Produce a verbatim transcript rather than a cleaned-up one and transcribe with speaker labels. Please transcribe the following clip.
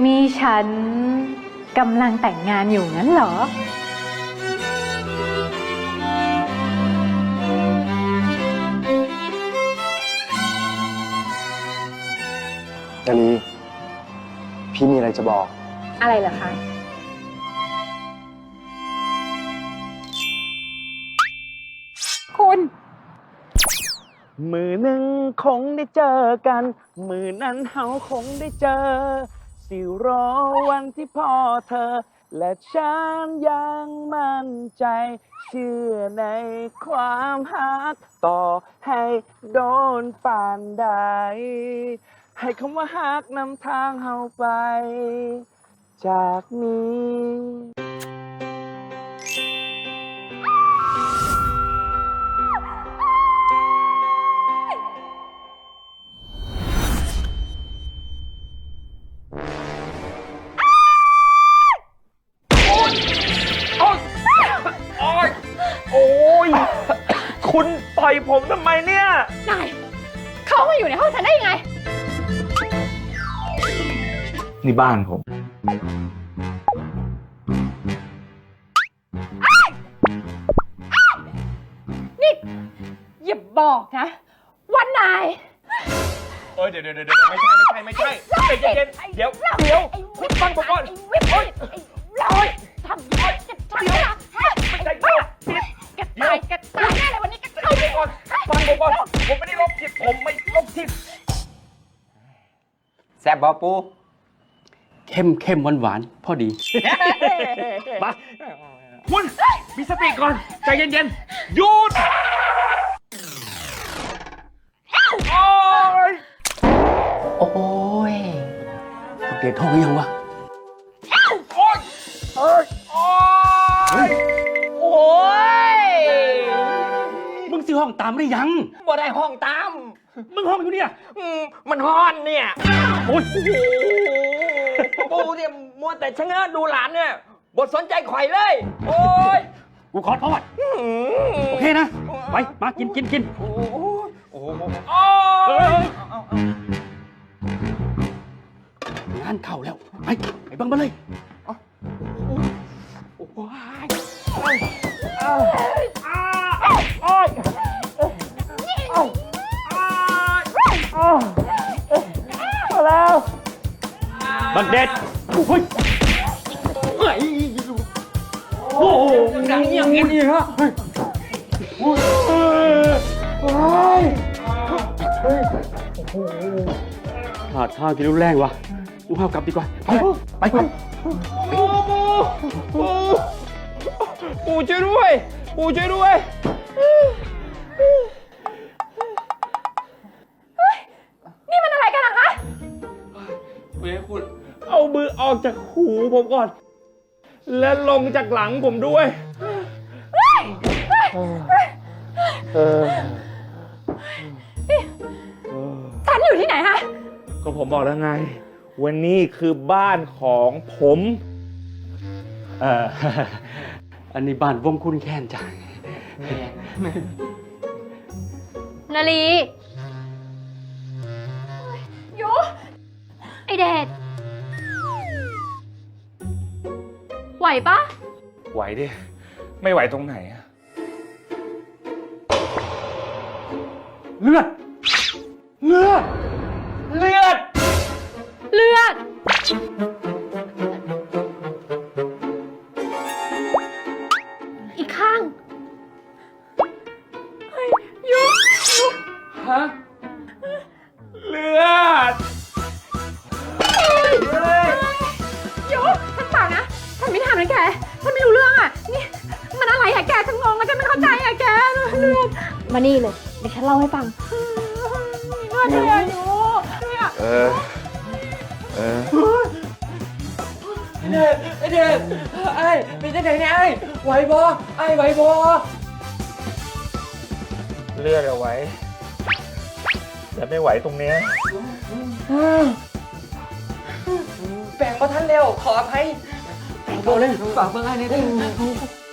Speaker 1: นี่ฉันกำลังแต่งงานอยู่งั้นเหรอ
Speaker 2: นาลีพี่มีอะไรจะบอก
Speaker 1: อะไรเหรอคะคุณ
Speaker 3: มือหนึ่งคงได้เจอกันมือนั้นเฮาคงได้เจอสิรอวันที่พ่อเธอและฉันยังมั่นใจเชื่อในความฮักต่อให้โดนป่านใดให้คำว่าฮักนำทางเฮาไปจากนี้โอ้ยคุณต่อยผมทำไมเนี่ย
Speaker 1: นายเขามาอยู่ในห้องฉันได้ยังไง
Speaker 3: นี่บ้านผม
Speaker 1: นี่อย่าบอกนะว่านาย
Speaker 3: เอ้ยเดี๋ยวเดี๋ยวเดี๋ยวไม่ใช่ไม่ใช่ไม่ใช่ใจเย็นเดี๋ยวเดี๋ยวคุณฟังผมก่อนโอ้ย
Speaker 1: โอ้ยทำโอ้ยจะทำอะไร
Speaker 3: ใจเย็น
Speaker 1: แกตายแกตายแน่เลยวันนี้แกตาย
Speaker 3: ก่อนฟังผมก่อนผมไม่ได้ลบจิตผมไม่ลบจิต
Speaker 4: แซ่บบอปูเข้มเข้มหวานหวานพอดี
Speaker 3: มาคุณมีสติก่อนใจเย็นๆหยุดโอ้ย
Speaker 4: โอ้ยเด็ดท้องยังวะ
Speaker 3: โอ้ยโอ้ยโอ้ย
Speaker 4: มึงซื้อห้องตามได้ยัง
Speaker 5: บ่ได้ห้องตาม
Speaker 4: มึงห้องอยู่เนี่ย
Speaker 5: มันฮ้อนเนี่ย
Speaker 4: โอ้ย
Speaker 5: ปูเนี่ยมัวแต่ชะเง้อดูหลานเนี่ยบทสนใจข่อยเลยโอ้ย
Speaker 4: กูขอโทษโอเคนะไปมากินกินกิน
Speaker 5: โอ้โหโอ้โห
Speaker 4: งานเข้าแล้วไปไปบังมาเลย
Speaker 5: โอ้ย
Speaker 3: โอ้ยมาแล้ว
Speaker 4: บังเด็ดโอ้ยโอ้โห
Speaker 5: ดังอย่างนี้นี่ฮะ
Speaker 4: ขาดท่าที่รุนแรงวะกูห้าวกลับดีกว่าไปไปไป
Speaker 5: ปูปูปูช่วยด้วยปูช่วยด้วย
Speaker 1: นี่มันอะไรกันล่ะคะ
Speaker 3: เว้ยคุณเอามือออกจากหูผมก่อนและลงจากหลังผมด้วย
Speaker 1: ฉันอยู่ที่ไหนฮะ
Speaker 3: ก็ผมบอกแล้วไงวันนี้คือบ้านของผม
Speaker 4: เอ่ออันนี้บ้านวงคุณแค้นจัง
Speaker 1: นาลียูไอเดชไหวปะ
Speaker 3: ไหวดิไม่ไหวตรงไหนอะ
Speaker 4: เลือดเลือด
Speaker 3: เลือด
Speaker 1: เลือดอีกข้างยูยู
Speaker 3: ฮะเลือด
Speaker 1: ยูฉันเปล่านะฉันไม่ทำนะแกฉันไม่รู้เรื่องอ่ะนี่มันอะไรอะแกฉันงงอะฉันไม่เข้าใจอะแกเลือดมานี่เลยเดี๋ยวฉันเล่าให้ฟังเลือดเลยยู
Speaker 3: เออเออ
Speaker 5: เด็ดเด็ดไอ้เป็นจังไดเนี่ยไอ้ไหวบ่ไอ้ไหวบ่
Speaker 3: เลือดเอาไว้แต่ไม่ไหวตรงเนี้ย
Speaker 5: แบ่งบ่ทันแล้วขออภัยแบ่งบ่เลยฝากเบิ่งไอ้นี่เด้อ